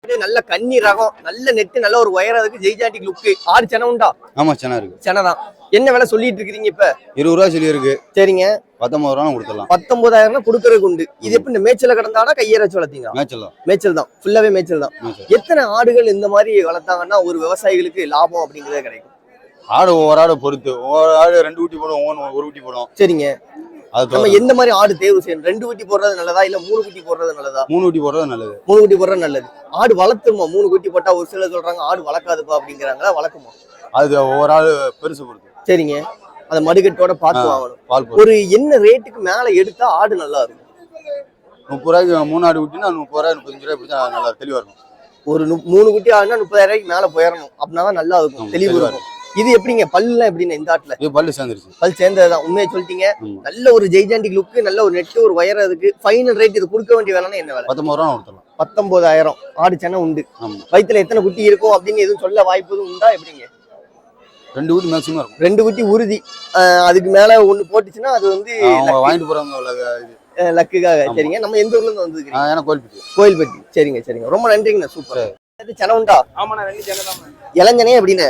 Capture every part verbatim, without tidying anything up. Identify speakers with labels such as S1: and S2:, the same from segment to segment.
S1: நல்ல கன்னி ரகம், நல்ல நெட்டு, நல்ல ஒரு உயரத்துக்கு ஜெய்ஜாண்டிக் லுக்கு. ஆடு சென உண்டா?
S2: ஆமா சென இருக்கு.
S1: சென தான். என்ன விலை சொல்லிட்டு இருக்கீங்க இப்ப?
S2: இருபது ரூபா சொல்லி இருக்கு.
S1: சரிங்க.
S2: பத்தொன்பது ரூபா கொடுத்துடலாம்.
S1: பத்தொன்பதாயிரம் கொடுக்கறதுக்கு உண்டு. இது எப்படி மேய்ச்சல கிடந்தானா கையற வச்சு வளர்த்தீங்க?
S2: மேய்ச்சல் தான்.
S1: மேய்ச்சல் தான். ஃபுல்லாவே மேய்ச்சல் தான். எத்தனை ஆடுகள் இந்த மாதிரி வளர்த்தாங்கன்னா ஒரு விவசாயிகளுக்கு லாபம் அப்படிங்கறத கிடைக்கும்?
S2: ஆடு ஒவ்வொரு ஆடு பொறுத்து. ஒவ்வொரு ஆடு ரெண்டு குட்டி போடும், ஒவ்வொரு ஒரு குட்டி போடும்.
S1: சரிங்க. நம்ம எந்த மாதிரி ஆடு தேர்வு செய்யணும்? ரெண்டு குட்டி போடுறது நல்லதா இல்ல மூணு குட்டி போடுறது நல்லதா?
S2: மூணு குட்டி போடுறது நல்லது.
S1: மூணு குட்டி போடுறது நல்லது. ஆடு வளர்த்துமா? மூணு குட்டி போட்டா ஒரு சிலர் சொல்றாங்க ஆடு வளர்க்காதுப்பா அப்படிங்கிறாங்களா, வளர்க்குமா?
S2: அது ஒவ்வொரு ஆடு பெருசு பொறுத்து.
S1: சரிங்க. அந்த மடுக்கட்டோட பார்த்து வாங்கணும். ஒரு என்ன ரேட்டுக்கு மேல எடுத்தா ஆடு நல்லா இருக்கும்?
S2: முப்பது ரூபாய்க்கு மூணு ஆடு குட்டினா முப்பது ரூபாய் முப்பத்தஞ்சு ரூபாய் பிடிச்சா நல்லா தெளிவா இருக்கும்.
S1: ஒரு மூணு குட்டி ஆடுனா முப்பதாயிரம் ரூபாய்க்கு மேல போயிடணும். அப்படின்னா நல்லா இருக்கும், தெளிவு இருக்கும். இது எப்படிங்க பல்லுலாம் எப்படின்னா இந்த ஆட்டுல?
S2: இது பல்லு சேர்ந்துருச்சு.
S1: பல் சேர்ந்ததுதான். உண்மையை சொல்லிட்டீங்க. நல்ல ஒரு ஜெய்ஜாண்டிக் லுக்கு, நல்ல ஒரு நெட்டு, ஒரு வயறதுக்கு ஃபைனல் ரேட் இது கொடுக்க வேண்டிய வேலைன்னா என்ன வேலை?
S2: பத்தொன்பது ரூபா கொடுத்துடலாம்.
S1: பத்தொன்பதாயிரம். ஆடு சென்னை உண்டு. வயிற்றுல எத்தனை குட்டி இருக்கும் அப்படின்னு எதுவும் சொல்ல வாய்ப்பு உண்டா? எப்படிங்க?
S2: ரெண்டு குட்டி மேக்ஸிமம் இருக்கும்.
S1: ரெண்டு குட்டி உறுதி. அதுக்கு மேல ஒண்ணு போட்டுச்சுன்னா அது வந்து
S2: வாங்கிட்டு போறவங்க
S1: லக்குக்காக. சரிங்க. நம்ம எந்த ஊர்ல இருந்து வந்துருக்கீங்க?
S2: கோயில்பட்டி.
S1: கோயில்பட்டி. சரிங்க சரிங்க. ரொம்ப நன்றிங்கண்ணா. சூப்பர். சென உண்டா? இளஞ்சனே எப்படின்னு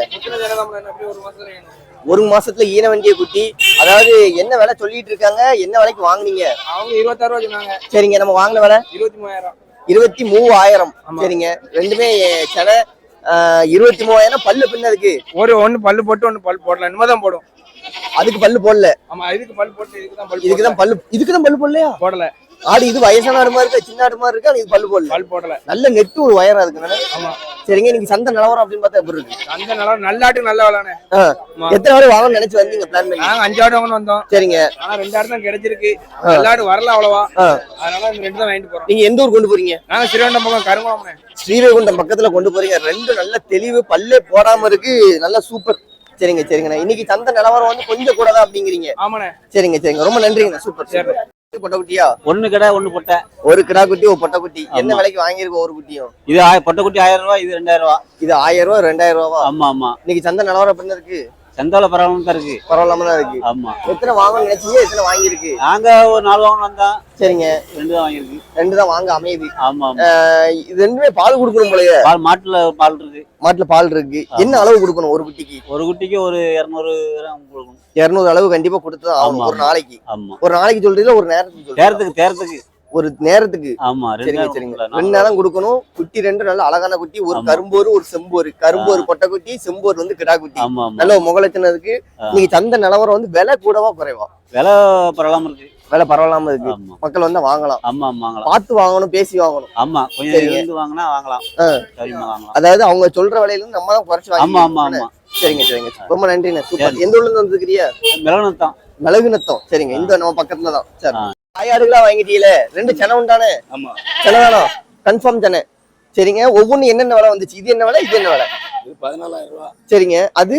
S1: ஒரு மாசத்துல ஈன வண்டிய குட்டி. அதாவது என்ன விலை சொல்லிட்டு இருக்காங்க? என்ன விலைக்கு வாங்குனீங்க?
S3: அவங்க இருபத்தாறு ரூபா சொன்னாங்க.
S1: சரிங்க. நம்ம வாங்கின விலை
S3: இருபத்தி மூவாயிரம்.
S1: இருபத்தி மூவாயிரம். சரிங்க. ரெண்டுமே சென இருபத்தி மூவாயிரம். பல்லு பின்னதுக்கு
S3: ஒரு ஒண்ணு பல்லு போட்டு ஒண்ணு பல்லு போடலாம். இனிமேதான் போடும்.
S1: அதுக்கு பல்லு போடல.
S3: ஆமா, இதுக்கு பல்லு போட்டு இதுக்குதான் பல்லு
S1: இதுக்குதான் பல்லு இதுக்குதான் பல்லு போடலையா?
S3: போடல.
S1: ஆடு இது வயசான ஆடு மாதிரி இருக்கா, சின்ன ஆடு மாதிரி இருக்கா? இது பல்லு போடல.
S3: பல்லு போடல.
S1: நல்ல நெட்டு ஒரு வயரா இருக்கு.
S3: ஆமா.
S1: சரிங்க. நீங்க சந்தை நிலவரம் அப்படின்னு பார்த்தா எப்படி இருக்கு?
S3: சந்தை நிலவரம் நல்ல ஆட்டுக்கு நல்ல விலைனே.
S1: எத்தனை ஆடு வாங்கணும்னு நினைச்சு வந்தீங்க? பிளான் பண்ணி
S3: நாங்க அஞ்சு ஆடு வாங்கணும் வந்தோம்.
S1: சரிங்க.
S3: ஆனா ரெண்டு ஆடு தான் கிடைச்சிருக்கு. நல்ல ஆடு வரல அவ்வளவா. அதனால இந்த ரெண்டு தான் வாங்கிட்டு போறோம்.
S1: நீங்க எந்த ஊர் கொண்டு போறீங்க?
S3: நாங்க ஸ்ரீவைகுண்டம் பக்கம் கருங்குளம்.
S1: ஸ்ரீவைகுண்டம் பக்கத்துல கொண்டு போறீங்க. ரெண்டு நல்ல தெளிவு, பல்லே போடாம இருக்கு. நல்ல சூப்பர். சரிங்க சரிங்கண்ணா. இன்னைக்கு சந்தை நிலவரம் வந்து கொஞ்சம் கூட தான் அப்படிங்கிறீங்க?
S3: ஆமாண்ணே.
S1: சரிங்க சரிங்க. ரொம்ப நன்றிங்கண்ணா. சூப்பர். சரி. பொட்டை குட்டியா?
S4: ஒண்ணு கடை ஒண்ணு பொட்டை.
S1: ஒரு கிடா குட்டி ஒரு பொட்டை குட்டி. என்ன விலைக்கு வாங்கிருக்கோம் ஒரு குட்டியும்?
S4: இது பொட்டை குட்டி ஆயிரம் ரூபாய், இது ரெண்டாயிரம் ரூபாய்.
S1: இது ஆயிரம் ரூபாய் ரெண்டாயிரம் ரூபாவா?
S4: ஆமா ஆமா.
S1: இன்னைக்கு சந்தை நிலவரம் பண்ண இருக்கு?
S4: சந்தால பரவாயில்லாம தான் இருக்கு.
S1: பரவாயில்லாம தான் இருக்கு.
S4: ஆமா.
S1: எத்தனை வாங்கணும்னு நினைச்சீங்க? எத்தனை வாங்கிருக்கு?
S4: நாங்க ஒரு நாலு வாங்கணும் வந்தோம்.
S1: சரிங்க.
S4: ரெண்டு தான் வாங்கிருக்கு.
S1: ரெண்டு தான் வாங்க அமையுது.
S4: ஆமா.
S1: இது ரெண்டுமே பால் கொடுக்கணும் போலயே.
S4: பால் மாட்டுல பால் இருக்கு.
S1: மாட்டுல பால் இருக்கு. என்ன அளவு கொடுக்கணும் ஒரு குட்டிக்கு?
S4: ஒரு குட்டிக்கு ஒரு இருநூறு கிராம் கொடுக்கணும்.
S1: இருநூறு அளவு கண்டிப்பா கொடுத்துதான் ஆகணும் ஒரு நாளைக்கு.
S4: ஆமா.
S1: ஒரு நாளைக்கு சொல்றீங்களா ஒரு நேரத்துக்கு?
S4: நேரத்துக்கு நேரத்துக்கு
S1: ஒரு நேரத்துக்கு.
S4: ஆமா.
S1: சரிங்க சரிங்க. ரெண்டு நேரம் கொடுக்கணும். குட்டி ரெண்டு நல்ல அழகான குட்டி. ஒரு கரும்போரு ஒரு செம்போரு. கரும்போரு பொட்டை குட்டி, செம்போரு வந்து கிடா குட்டி. நல்ல முகலத்தினதுக்கு. நீங்க சந்தை நிலவரம் வந்து விலை கூடவா குறைவா?
S4: விலை பரவாயில்லாம இருக்கு.
S1: விலை பரவாயில்லாம இருக்கு. மக்கள் வந்து வாங்கலாம்.
S4: ஆமா வாங்கலாம்.
S1: பார்த்து வாங்கணும், பேசி வாங்கணும்.
S4: ஆமா. கொஞ்சம் வாங்கினா வாங்கலாம். சரிமா வாங்கலாம்.
S1: அதாவது அவங்க சொல்ற விலையில இருந்து நம்ம தான் குறைச்சு வாங்கணும்.
S4: ஆமா ஆமா ஆமா.
S1: சரிங்க சரிங்க. ரொம்ப நன்றிண்ணே. சூப்பர். எந்த ஊர்ல இருந்து வந்துருக்கிறியா?
S4: மிளகுநத்தம்.
S1: மிளகுநத்தம். சரிங்க. இந்த நம்ம பக்கத்துல தான். சரி. ஆயாடுகளா வாங்கிட்டீங்களே? ரெண்டு சென உண்டானே?
S2: ஆமா.
S1: சென வேணும். கன்ஃபார்ம் சென. சரிங்க. ஒவ்வொன்னு என்னென்ன விலை வந்துச்சு? இது என்ன விலை? இது என்ன விலை?
S2: இது பதினாலாயிரம் ரூபாய்.
S1: சரிங்க. அது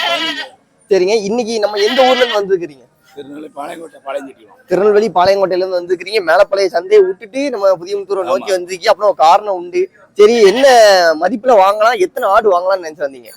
S1: சரிங்க. இன்னைக்கு நம்ம எந்த ஊர்ல இருந்து வந்துருக்கீங்க?
S2: திருநெல்வேலி பாளையங்கோட்டை பாளையஞ்செட்டி.
S1: திருநெல்வேலி பாளையங்கோட்டையில இருந்து வந்துருக்கீங்க. மேலப்பழைய சந்தையை விட்டுட்டு நம்ம புதியமுத்தூரை நோக்கி வந்திருக்கீங்க. அப்புறம் காரணம் உண்டு. சரி, என்ன மதிப்புல வாங்கலாம், எத்தனை ஆடு வாங்கலாம்னு நினைச்சு வந்தீங்க?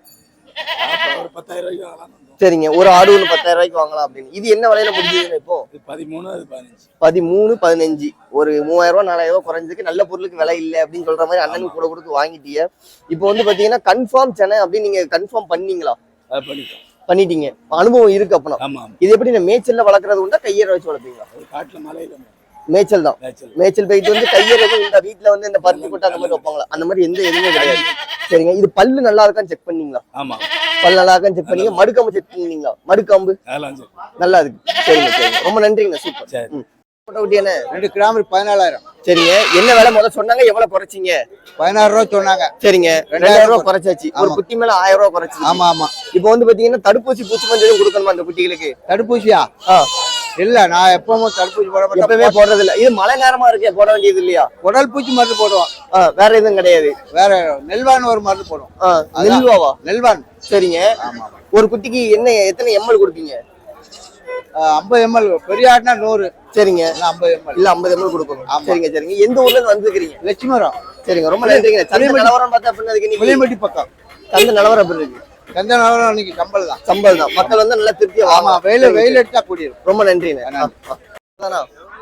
S2: ஒரு பத்தாயிரம் ரூபாய்க்கு வாங்கலாம்.
S1: சரிங்க. ஒரு ஆடு ஒன்று பத்தாயிரம் ரூபாய்க்கு வாங்கலாம் அப்படின்னு. இது என்ன விலையில முடிஞ்சதுன்னு இப்போ?
S2: பதிமூணு அது பதினஞ்சு.
S1: பதிமூணு பதினஞ்சு. ஒரு மூவாயிரம் ரூபாய் நாலாயிரம் ரூபாய் குறைஞ்சதுக்கு நல்ல பொருளுக்கு விலை இல்லை அப்படின்னு சொல்ற மாதிரி அண்ணனுக்கு கூட கொடுத்து வாங்கிட்டீங்க. இப்போ வந்து பாத்தீங்கன்னா கன்ஃபார்ம் சென்னை அப்படின்னு நீங்க கன்ஃபார்ம் பண்ணீங்களா? பண்ணிட்டீங்க. அனுபவம் இருக்கு அப்பனா? இது எப்படி மேய்ச்சல்ல வளர்க்கறது உண்டா கையற வச்சு வளர்ப்பீங்களா?
S2: காட்டுல மலையில
S1: மேய்ச்சல் தான். மேய்ச்சல் போயிட்டு வந்து கையற இந்த வீட்டுல வந்து இந்த பருத்தி கொட்டை அந்த மாதிரி வைப்பாங்களா? அந்த மாதிரி எந்த எதுவுமே கிடையாது. சரிங்க. இது பல்லு நல்லா இருக்கான்னு செக் பண்ணீங்களா?
S2: ஆமா.
S1: பல்லு நல்லா இருக்கான்னு செக் பண்ணீங்க. மடுக்காம்பு செக் பண்ணீங்களா? மடுக்காம்பு நல்லா இருக்கு. சரிங்க சரிங்க. ரொம்ப நன்றிங்க. சூப்பர்.
S3: ரெண்டு கிராம் பதினாலாயிரம்.
S1: சரிங்க. என்ன விலை முதல்ல சொன்னாங்க? எவ்வளவு குறைச்சிங்க?
S3: பதினாறு ரூபாய் சொன்னாங்க.
S1: சரிங்க. ரெண்டாயிரம் ரூபாய் குறைச்சாச்சு. ஒரு குட்டி மேல ஆயிரம் ரூபாய் குறைச்சு.
S3: ஆமா ஆமா.
S1: இப்போ வந்து பாத்தீங்கன்னா தடுப்பூசி பூச்சி மருந்து கொடுக்கணுமா அந்த குட்டிகளுக்கு?
S3: தடுப்பூசியா? இல்ல, நான் எப்பவும் தடுப்பூசி போட மாட்டேன்.
S1: எப்பவுமே போடுறது இல்ல. இது மழை நேரமா இருக்கே, போட வேண்டியது இல்லையா?
S3: உடல் பூச்சி மருந்து போடுவோம்.
S1: வேற எதுவும் கிடையாது.
S3: வேற நெல்வான் ஒரு மருந்து போடுவோம்.
S1: நெல்வாவா?
S3: நெல்வான்.
S1: சரிங்க. ஒரு குட்டிக்கு என்ன எத்தனை எம்எல் கொடுப்பீங்க?
S3: ஐம்பது எம்எல். பெரிய ஆடுனா நூறு.
S1: சரிங்க.
S3: ஐம்பது எம்எல்
S1: இல்ல ஐம்பது எம்எல் கொடுக்கணும். சரிங்க சரிங்க. எந்த ஊர்ல இருந்து வந்துருக்கீங்க?
S3: லட்சுமரம்.
S1: சரிங்க. ரொம்ப நன்றிங்க. சந்தை நிலவரம் பார்த்தா அப்படின்னா
S3: புளியம்பட்டி பக்கம்
S1: சந்தை நிலவரம் எப்படி இருக்கு?
S3: சந்தை நிலவரம் இன்னைக்கு சம்பல் தான்.
S1: சம்பல் தான். மக்கள் வந்து நல்லா திருப்தியா.
S3: ஆமா. வெயில் வெயில் எடுத்தா கூடியிருக்கு.
S1: ரொம்ப நன்றிண்ணே.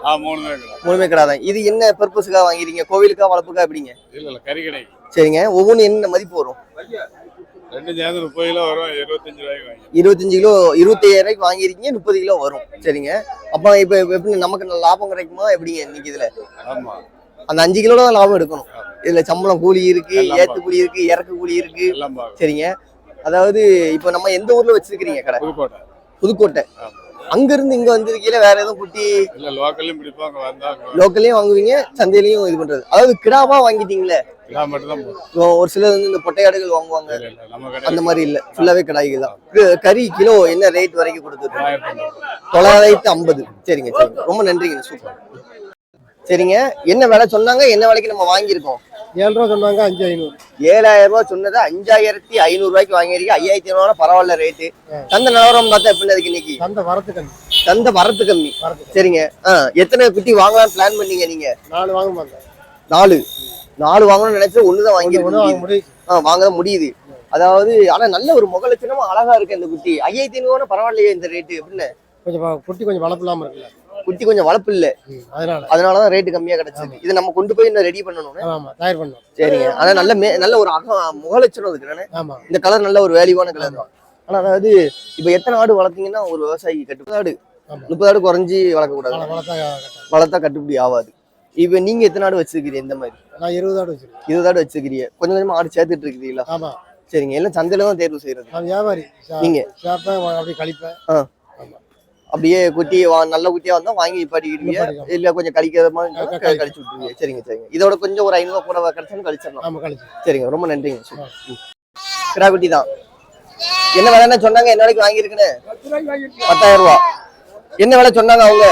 S5: ஆ மூணுமே கடை.
S1: மூணுமே கடை தான். இது என்ன பர்பஸுக்காக வாங்கிறீங்க? கோவிலுக்கா வளர்ப்புக்கா எப்படிங்க?
S5: இல்ல இல்ல கறி கடை.
S1: சரிங்க. ஒவ்வொன்றும் என்ன மதிப்பு வரும்?
S5: ரெண்டு சேர்ந்து முப்பது கிலோ வரும், இருபத்தஞ்சு ரூபாய்க்கு வாங்கி.
S1: இருபத்தஞ்சு கிலோ இருபத்தையாயிரம் ரூபாய்க்கு வாங்கிருக்கீங்க, முப்பது கிலோ வரும். சரிங்க. அப்ப இப்ப எப்படி நமக்கு நல்ல லாபம் கிடைக்குமா எப்படிங்க இன்னைக்கு இதுல?
S5: ஆமா.
S1: அந்த அஞ்சு கிலோ தான் லாபம் எடுக்கணும். இதுல சம்பளம் கூலி இருக்கு,
S5: எல்லாம்
S1: ஏத்து கூலி இருக்கு, இறக்கு கூலி இருக்கு.
S5: எல்லாம் பார்க்கணும்.
S1: சரிங்க. அதாவது இப்ப நம்ம எந்த ஊர்ல வச்சிருக்கீங்க கடை?
S5: புதுக்கோட்டை.
S1: புதுக்கோட்டை.
S5: ஆமா.
S1: அங்க இருந்து இங்க வந்திருக்கீங்க, வேற எதுவும் குட்டி
S5: இல்ல லோக்கல்லையும் பிடிப்பாங்க, வந்தாங்க
S1: லோக்கல்லையும் வாங்குவீங்க, சந்தையிலையும் இது பண்றது. அதாவது கிடாவா வாங்கிட்டீங்களே?
S5: கிடா மட்டும் தான் போதும்.
S1: ஒரு சிலர் வந்து இந்த பொட்டையாடுகள் வாங்குவாங்க,
S5: இல்ல இல்ல நம்ம கடை
S1: அந்த மாதிரி இல்ல, ஃபுல்லாவே கடாய்கள் தான். கு- கறி கிலோ என்ன ரேட் வரைக்கும் கொடுத்துருக்கு?
S5: ஆயிரத்தி ஐநூறு.
S1: தொள்ளாயிரத்தி ஐம்பது. சரிங்க சரிங்க, ரொம்ப நன்றிங்க, சூப்பர். சரிங்க. என்ன விலை சொன்னாங்க, என்ன விலைக்கு நம்ம வாங்கியிருக்கோம்?
S6: ஏழு ரூபா சொன்னாங்க, அஞ்சு ஐநூறு.
S1: ஏழாயிரம் ரூபாய் சொன்னது அஞ்சாயிரத்தி ஐநூறு ரூபாய்க்கு வாங்கியிருக்கீங்க. ஐயாயிரத்தி ஐநூறு பரவாயில்ல ரேட்டு. சந்தை நிலவரம் பார்த்தா எப்படி இருக்கு இன்னைக்கு?
S6: சந்தை வரத்து கம்மி.
S1: சந்தை வரத்து கம்மி.
S6: வரத்து
S1: சரிங்க. ஆ, எத்தனை குட்டி வாங்கலாம் பிளான் பண்ணீங்க நீங்க?
S6: நாலு வாங்க மாட்டேன்.
S1: நாலு நாலு வாங்கணும்னு நினைச்சு ஒண்ணுதான் வாங்கி
S6: ஒண்ணு வாங்க முடியும்.
S1: ஆ வாங்க தான் முடியுது. அதாவது ஆனா நல்ல ஒரு முக லட்சணமா அழகா இருக்கு இந்த குட்டி. ஐயாயிரத்தி ஐநூறு பரவாயில்லையே இந்த ரேட்டு அப்படின்னு.
S6: கொஞ்சம் வ- குட்டி கொஞ்சம் வளர்ப்பு இல்லாம இருக்குல்ல,
S1: குட்டி கொஞ்சம் வளர்ப்பு இல்ல,
S6: ம், அதனால
S1: அதனாலதான் ரேட்டு கம்மியா கிடைச்சது. இது நம்ம கொண்டு போய் இன்னும் ரெடி பண்ணணும்.
S6: ஆமா தயார் பண்ணோம்.
S1: சரிங்க. ஆனா நல்ல மே நல்ல ஒரு அக முக லட்சணம் இருக்கு தானே.
S6: ஆமா
S1: இந்த கலர் நல்ல ஒரு வேல்யூவான கலர் தான். ஆனா அதாவது இப்ப எத்தனை ஆடு வளர்த்தீங்கன்னா ஒரு விவசாயி கட்டு ஆடு
S6: ஆமா.
S1: முப்பது ஆடு குறைஞ்சி வளர்க்க கூடாது,
S6: வள- வளர்த்தா கரெக்டா.
S1: வளர்த்தா கட்டுப்படி ஆகாது. இப்ப நீங்க எத்தனை ஆடு வச்சிருக்கீங்க? இந்த மாதிரி
S6: நான் இருபது ஆடு வச்சிருக்கேன்.
S1: இருபது ஆடு வச்சிருக்கீங்க. கொஞ்சம் கொஞ்சமா ஆடு சேர்த்துட்டு இருக்கீங்களா?
S6: ஆமா
S1: சரிங்க. எல்லாம் சந்தையில தான் தேர்வு செய்யறது
S6: நான் வியாபாரி. சா-
S1: நீங்க?
S6: சாப்பேன், வா- அப்படியே கழிப்பேன்.
S1: ஆ.
S6: ஆமா
S1: அப்படியே குட்டி வா- நல்ல குட்டியா வந்தா வாங்கி நிப்பாட்டிக்கிடுவீங்க,
S6: நிப்பாட்டிக்கலாம்.
S1: இல்ல கொஞ்சம் கழிக்கிற மாதிரி
S6: க-
S1: இருந்தா
S6: கழிச்சு.
S1: கழிச்சு விட்டுருவீங்க. சரிங்க சரிங்க. இதோட கொஞ்சம் ஒரு ஐநூறு கூட கிடைச்சாலும் கழிச்சிடலாம்.
S6: ஆமா கழிச்சு.
S1: சரிங்க, ரொம்ப நன்றிங்க. சூப்பர். ம். கிடா குட்டி தான். என்ன விலைன்னு சொன்னாங்க, என்ன விலைக்கு வாங்கியிருக்குன்னு? பத்தாயிரம் ரூபா. என்ன விலை சொன்னாங்க அவங்க?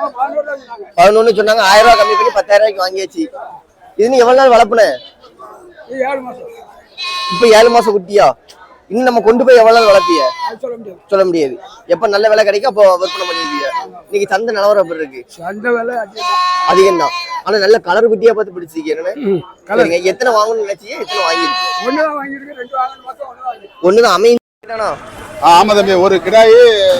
S1: பதினொன்னு சொன்னாங்க. ஆயிரம் ரூபாய் கம்மி பண்ணி பத்தாயிரம் ரூபாய்க்கு வாங்கியாச்சு. இது நீ எவ்வளவு நாள் வளர்ப்புன? இப்ப ஏழு மாசம் குட்டியா? இன்னும் நம்ம கொண்டு போய் எவ்வளவு நாள் வளர்ப்பிய? சொல்ல முடியாது. எப்ப நல்ல விலை கிடைக்கும் அப்போ விற்பனை பண்ணிருப்பீங்க. இன்னைக்கு சந்தை நிலவரம் எப்படி இருக்கு? அதிகம் தான். ஆனா நல்ல கலர் குட்டியா பார்த்து பிடிச்சிருக்கீங்க. சரிங்க. எத்தனை வாங்கணும்னு நினைச்சீங்க, எத்தனை வாங்கிருக்கு? ஒண்ணுதான் அமைந்தானா?
S2: ஆமா தம்பி, ஒரு கிடாயி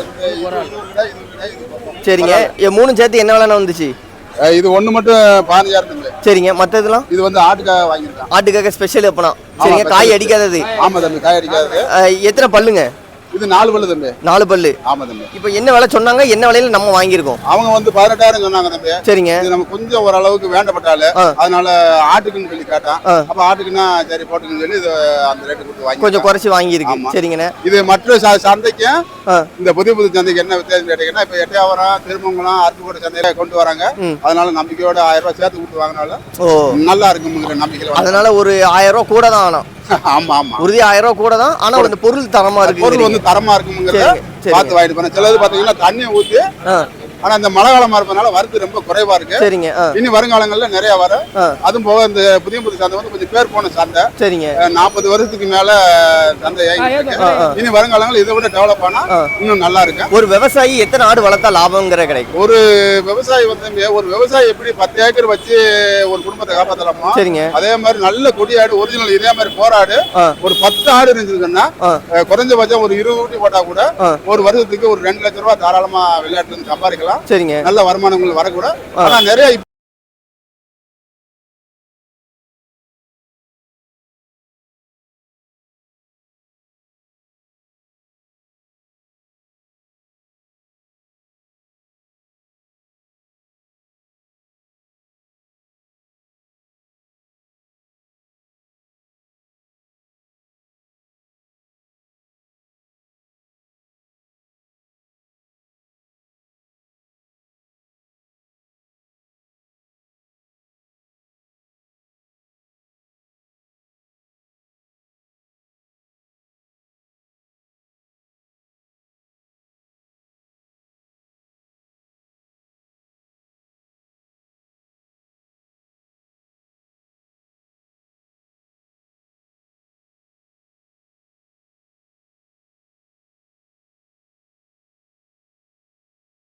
S1: சரிங்க. எ- மூணும் சேர்த்து என்ன விலைன்னு வந்துச்சு?
S2: இது ஒண்ணு மட்டும் பதினஞ்சாயிரம் தம்பி.
S1: சரிங்க. மத்ததெல்லாம்
S2: இது வந்து ஆட்டுக்காக வாங்கியிருக்கான்.
S1: ஆட்டுக்காக ஸ்பெஷல் எப்பனா? சரிங்க.
S2: special.
S1: காய் அடிக்காதது.
S2: ஆமா தம்பி, காய் அடிக்காது.
S1: அஹ், எத்தனை பல்லுங்க?
S2: இது நாலு பல்லு தம்பி.
S1: நாலு பல்லு.
S2: ஆமா தம்பி.
S1: இப்போ என்ன விலை சொன்னாங்க, என்ன விலையில நம்ம வாங்கியிருக்கோம்?
S2: அவங்க வந்து பதினெட்டாயிரம் சொன்னாங்க தம்பி.
S1: சரிங்க.
S2: இது நம்ம கொஞ்சம் ஓரளவுக்கு வேண்டப்பட்டால,
S1: ஆ.
S2: அதனால ஆட்டுக்குன்னு சொல்லி கேட்டான்.
S1: ஆ.
S2: அப்ப ஆட்டுக்குன்னா சரி போட்டுக்குன்னு சொல்லி இது அந்த ரேட்டு கொடுத்து வாங்கி
S1: கொஞ்சம் குறைச்சி வாங்கியிருக்கு.
S2: ஆமா.
S1: சரிங்கண்ணே.
S2: இது மற்ற ச- சந்தைக்கும்
S1: ஆ.
S2: இந்த புதிய புது சந்தைக்கு என்ன வித்தியாசம் கேட்டீங்கன்னா, இப்ப எட்டையாவரம், திருமங்கலம், அருப்புக்கோட்டை சந்தையில கொண்டு வராங்க.
S1: ம்.
S2: அதனால நம்பிக்கையோட ஆயிரம் ரூபாய் சேர்த்து கொடுத்து வாங்கினாலும்
S1: ஓ,
S2: நல்லா இருக்குங்கிற நம்பிக்கையில வாங்க.
S1: அதனால ஒரு ஆயிரம் ரூபா கூட தான் ஆனா
S2: ஆமா ஆமா.
S1: உறுதி ஆயிரம் ரூபா கூட தான். ஆனா அந்த பொருள் தரமா இருக்கு.
S2: பொருள் வந்து தரமா இருக்குங்கிறத
S1: சரிங்க, சரிங்க.
S2: பார்த்து வாங்கிட்டு போனேன். சிலது பாத்தீங்கன்னா தண்ணியை ஊத்தி,
S1: ஆ,
S2: ஆனா இந்த மழை காலமா இருப்பதனால வரத்து ரொம்ப குறைவா இருக்கு.
S1: சரிங்க. ஆ,
S2: இனி வருங்காலங்கள்ல நிறைய வரும்.
S1: ஆ,
S2: அதுவும் போக இந்த புதிய புது சந்தை வந்து கொஞ்சம் பேர் போன சந்தை.
S1: சரிங்க.
S2: நாற்பது வருஷத்துக்கு மேல சந்தை இயங்கிட்டு இருக்கு.
S1: ஆ, ஆ.
S2: இனி வருங்காலங்கள் இதை விட டெவலப் ஆனா
S1: ஆ.
S2: இன்னும் நல்லா இருக்கும்.
S1: ஒரு விவசாயி எத்தனை ஆடு வளர்த்தா லாபங்கிற கிடைக்கும்?
S2: ஒரு விவசாயி வந்து ஒரு விவசாயி எப்படி பத்து ஏக்கர் வச்சு ஒரு குடும்பத்தை காப்பாத்தலாமோ,
S1: சரிங்க.
S2: அதே மாதிரி நல்ல கொடியாடு ஒரிஜினல் இதே மாதிரி போராடு
S1: ஆ.
S2: ஒரு பத்து ஆடு இருந்துச்சுன்னா,
S1: ஆ.
S2: அஹ், குறைஞ்சபட்சம் ஒரு இருபது ஊட்டி போட்டா கூட
S1: ஆ.
S2: ஒரு வருஷத்துக்கு ஒரு ரெண்டு லட்சம் ரூபாய் தாராளமா விளையாட்டுல இருந்து சம்பாதிக்கலாம்.
S1: சரிங்க.
S2: நல்ல வருமானங்கள் வரக்கூட.
S1: ஆ.
S2: ஆனா நிறைய இப்ப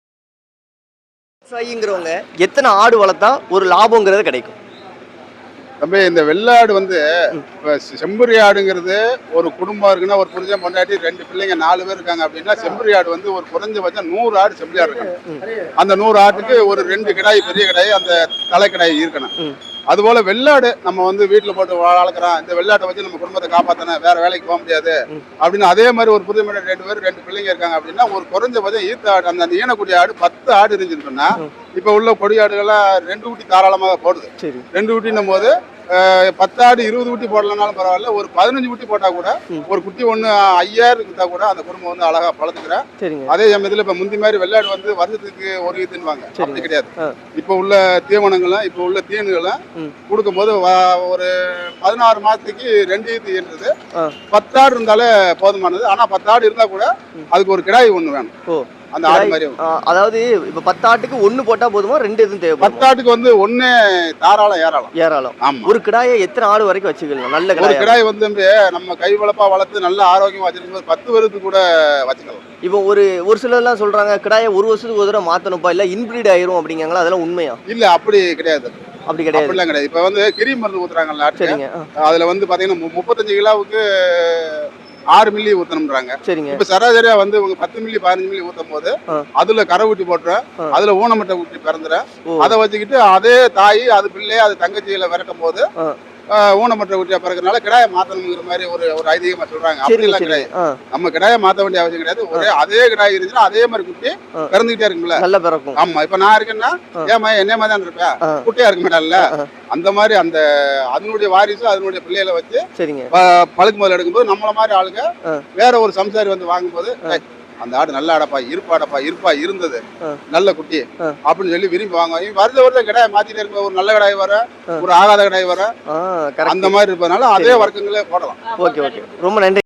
S1: விவசாயிங்கிறவங்க எத்தனை ஆடு வளர்த்தா ஒரு லாபங்கிறது கிடைக்கும்?
S7: தம்பி இந்த வெள்ளாடு வந்து இப்ப செம்பரி ஆடுங்கிறது ஒரு குடும்பம் இருக்குன்னா ஒரு புரிஞ்ச பொண்டாட்டி ரெண்டு பிள்ளைங்க நாலு பேர் இருக்காங்க அப்படின்னா செம்பரி ஆடு வந்து ஒரு குறைஞ்சபட்சம் நூறு ஆடு செம்பரி ஆடு இருக்கணும். அந்த நூறு ஆட்டுக்கு ஒரு ரெண்டு கிடாய் பெரிய கிடாய் அந்த தலை கிடாய் இருக்கணும். அதுபோல வெள்ளாடு நம்ம வந்து வீட்டுல போட்டு வளர்க்குறோம், இந்த வெள்ளாட்டை வச்சு நம்ம குடும்பத்தை காப்பாத்தணும், வேற வேலைக்கு போக முடியாது அப்படின்னு அதே மாதிரி ஒரு புரிஞ்ச பொண்டாட்டி ரெண்டு பேர் ரெண்டு பிள்ளைங்க இருக்காங்க அப்படின்னா ஒரு குறைஞ்சபட்சம் ஈத்த ஆடு அந்த ஈனக்குடி ஆடு பத்து ஆடு இருந்துச்சுன்னு சொன்னா இப்ப உள்ள கொடி ஆடுகள்லாம் ரெண்டு ஊட்டி தாராளமாக போடுது. ரெண்டு ஊட்டின்னும் போது பத்தாடு இருபது ஊட்டி போடலனாலும் பரவாயில்ல, ஒரு பதினஞ்சு ஊட்டி போட்டா கூட ஒரு குட்டி ஒண்ணு ஐயாயிரம் இருந்தா கூட அந்த குடும்பம் வந்து அழகா பழத்துக்கிறேன். அதே சமயத்துல இப்ப முந்தி மாதிரி வெள்ளாடு வந்து வருஷத்துக்கு ஒரு ஈத்துன்னுவாங்க, அப்படி கிடையாது. இப்ப உள்ள தீவனங்களும் இப்ப உள்ள தீனுகளும் கொடுக்கும் போது ஒரு பதினாறு மாசத்துக்கு ரெண்டு ஈத்து என்றது பத்தாடு இருந்தாலே போதுமானது. ஆனா பத்தாடு இருந்தா கூட அதுக்கு ஒரு கிடாய் ஒண்ணு வேணும். அந்த ஆடு மாதிரி
S1: அதாவது இப்ப பத்து ஆட்டுக்கு ஒண்ணு போட்டா போதுமா, ரெண்டு எதுவும் தேவை?
S7: பத்து ஆட்டுக்கு வந்து ஒண்ணு தாராளம் ஏராளம்
S1: ஏராளம்.
S7: ஆமா.
S1: ஒரு கிடாயை எத்தனை ஆடு வரைக்கும் வச்சுக்கலாம்? நல்ல
S7: ஒரு
S1: கிடாய்
S7: கிடாய் வந்து நம்ம கை வளப்பா வளர்த்து நல்ல ஆரோக்கியமா வச்சிருக்கும் பத்து வருஷத்துக்கு கூட வச்சுக்கலாம்.
S1: இப்போ ஒரு ஒரு சிலர் எல்லாம் சொல்றாங்க கிடாயை ஒரு வருஷத்துக்கு ஒரு தடவை மாத்தணும்ப்பா, இல்ல இன்பிரீட் ஆயிரும் அப்படிங்காங்களா, அதெல்லாம் உண்மையா?
S7: இல்ல அப்படி கிடையாது.
S1: அப்படி கிடையாது.
S7: அப்படிலாம் கிடையாது. இப்ப வந்து கிரி மருந்து ஊத்துறாங்கல்ல,
S1: சரிங்க.
S7: அதுல வந்து பாத்தீங்கன்னா முப்பத்தஞ்சு கிலோவுக்கு ஆறு மில்லி ஊத்தணும்ன்றாங்க.
S1: சரிங்க.
S7: இப்ப சராசரியா வந்து உங்க பத்து மில்லி பதினஞ்சு மில்லி ஊத்தும் போது அதுல கரை ஊட்டி போட்டுறேன், அதுல ஊனமட்டை ஊட்டி பிறந்துறேன். அதை வச்சுக்கிட்டு அதே தாய் அது பிள்ளை அது தங்கச்சியில விரட்டும் போது ஊனமற்ற ஊட்டியா பிறகுறதுனால கிடாயை மாத்தணுங்கிற மாதிரி ஒரு ஒரு ஐதீகமா சொல்றாங்க. அப்படிலாம் கிடையாது. நம்ம கிடாயை மாத்த வேண்டிய அவசியம் கிடையாது. ஒரே அதே கிடாய் இருந்துச்சுன்னா அதே மாதிரி குட்டி பிறந்துகிட்டே இருக்கும்ல,
S1: நல்ல பிறக்கும்.
S7: ஆமா. இப்ப நான் இருக்கேன்னா ஏமா என்ன மாதிரி தான் இருப்பேன், குட்டியா இருக்க மாட்டான்ல, அந்த மாதிரி அந்த அதனுடைய வாரிசு அதனுடைய பிள்ளைகளை வச்சு பழுக்கு முதல்ல எடுக்கும்போது நம்மள மாதிரி ஆளுங்க வேற ஒரு சம்சாரி வந்து வாங்கும்போது அந்த ஆடு நல்ல ஆடப்பா இருப்பாடப்பா இருப்பா இருந்தது நல்ல குட்டி அப்படின்னு சொல்லி விரும்பி வாங்குவாங்க. வருஷ வருஷம் கிடாய் மாத்திட்டே இருக்க, ஒரு நல்ல கிடாய் வர ஒரு ஆகாத கிடாய் வர அந்த மாதிரி இருப்பதனால அதே வர்க்கங்களே போடலாம்.
S1: ஓகே ஓகே, ரொம்ப நன்றி.